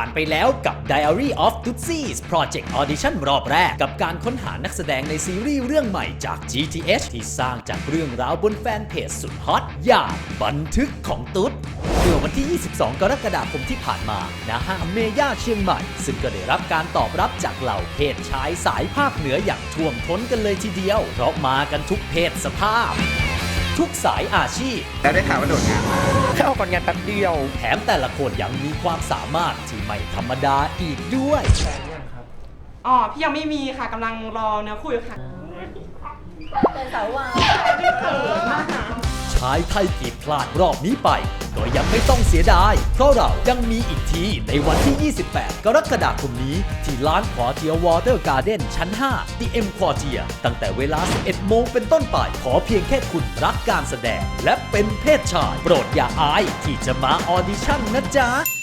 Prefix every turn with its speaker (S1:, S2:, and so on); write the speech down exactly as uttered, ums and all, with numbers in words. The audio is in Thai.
S1: ผ่านไปแล้วกับ Diary of Tootsies Project Audition รอบแรกกับการค้นหานักแสดงในซีรีส์เรื่องใหม่จาก จี ที เอช ที่สร้างจากเรื่องราวบนแฟนเพจสุดฮอตอย่างบันทึกของตุ๊ดเมื่อวันที่ ยี่สิบสอง กรกฎาคมที่ผ่านมาณห้างเมย่าเชียงใหม่ซึ่งก็ได้รับการตอบรับจากเหล่าเพศชายสายภาคเหนืออย่างท่วมท้นกันเลยทีเดียวเพราะมากันทุกเพศสภาพทุกสายอาชีพ
S2: แล้วได้ข่าวว่าโดดงานมา
S3: แค่ออกก่อนงานแป๊บเดียว
S1: แถมแต่ละคนยังมีความสามารถที่ไม่ธรรมดาอีกด้วย
S4: อ๋อ พี่ยังไม่มีค่ะกำลังรอเนื้อคุยค่ะ
S5: เป็นสาววาย
S4: เขินมากนะ
S1: ชายไทยกีดพลาดรอบนี้ไปก็ยังไม่ต้องเสียดายเพราะเรายังมีอีกทีในวันที่ ยี่สิบแปด กรกฎาคมนี้ที่ร้านควอเทียวอเตอร์การ์เด้นชั้น ห้า ดี เอ็ม ควอเทียตั้งแต่เวลา สิบเอ็ด โมงเป็นต้นไปขอเพียงแค่คุณรักการแสดงและเป็นเพศชายโปรดอย่าอายที่จะมาออดิชั่นนะจ๊ะ